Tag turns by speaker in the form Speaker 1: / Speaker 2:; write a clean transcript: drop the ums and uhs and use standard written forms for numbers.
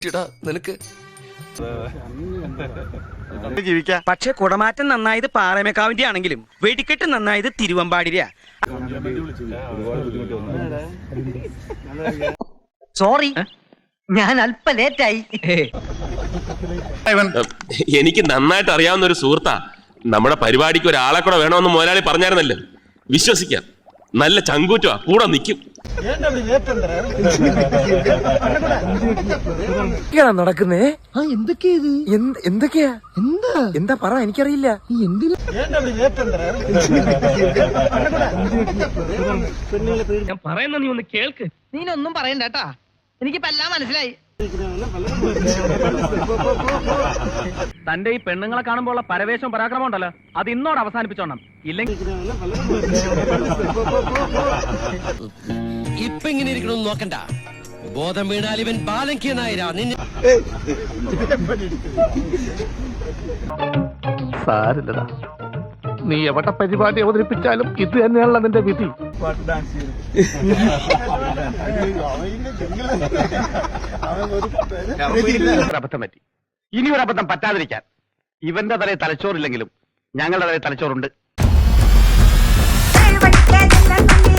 Speaker 1: നിനക്ക്
Speaker 2: ജീവിക്കാം. പക്ഷെ കുടമാറ്റം നന്നായത് പാറമേക്കാവിന്റെ ആണെങ്കിലും വെടിക്കെട്ട് നന്നായത് തിരുവമ്പാടിര.
Speaker 3: സോറി, ഞാൻ അല്പ ലേറ്റായി.
Speaker 4: എനിക്ക് നന്നായിട്ട് അറിയാവുന്ന ഒരു സുഹൃത്താ. നമ്മുടെ പരിപാടിക്ക് ഒരാളെ കൂടെ വേണമെന്ന് മുതലാളി പറഞ്ഞായിരുന്നല്ലോ. വിശ്വസിക്കാം, നല്ല ചങ്കൂറ്റ കൂടെ നിൽക്കും.
Speaker 1: നടക്കുന്നേ എന്തൊക്കെയാ എന്താ പറ, എനിക്കറിയില്ല.
Speaker 2: ഞാൻ പറയുന്ന നീ ഒന്ന് കേൾക്ക്.
Speaker 3: നീനൊന്നും പറയണ്ട കേട്ടാ, എനിക്കിപ്പോ എല്ലാം മനസ്സിലായി.
Speaker 2: തന്റെ ഈ പെണ്ണുങ്ങളെ കാണുമ്പോൾ ഉള്ള പരവേശം പരാക്രമം ഉണ്ടല്ലോ, അത് ഇന്നോട് അവസാനിപ്പിച്ചോണം. ഇല്ലെങ്കിൽ
Speaker 1: ഇപ്പൊ ഇങ്ങനെ ഇരിക്കണമെന്ന് നോക്കണ്ട. ബോധം വീണാൽ ഇവൻ ബാലങ്കീയനായിരാ.
Speaker 5: സാരില്ലടാ, നീ എവിടെ പരിപാടി അവതരിപ്പിച്ചാലും ഇത് തന്നെയാണല്ലോ നിന്റെ വിധി.
Speaker 2: അബദ്ധം പറ്റി. ഇനി ഒരു അബദ്ധം പറ്റാതിരിക്കാൻ ഇവന്റെ തലയിൽ തലച്ചോറില്ലെങ്കിലും ഞങ്ങളുടെ തലയിൽ തലച്ചോറുണ്ട്.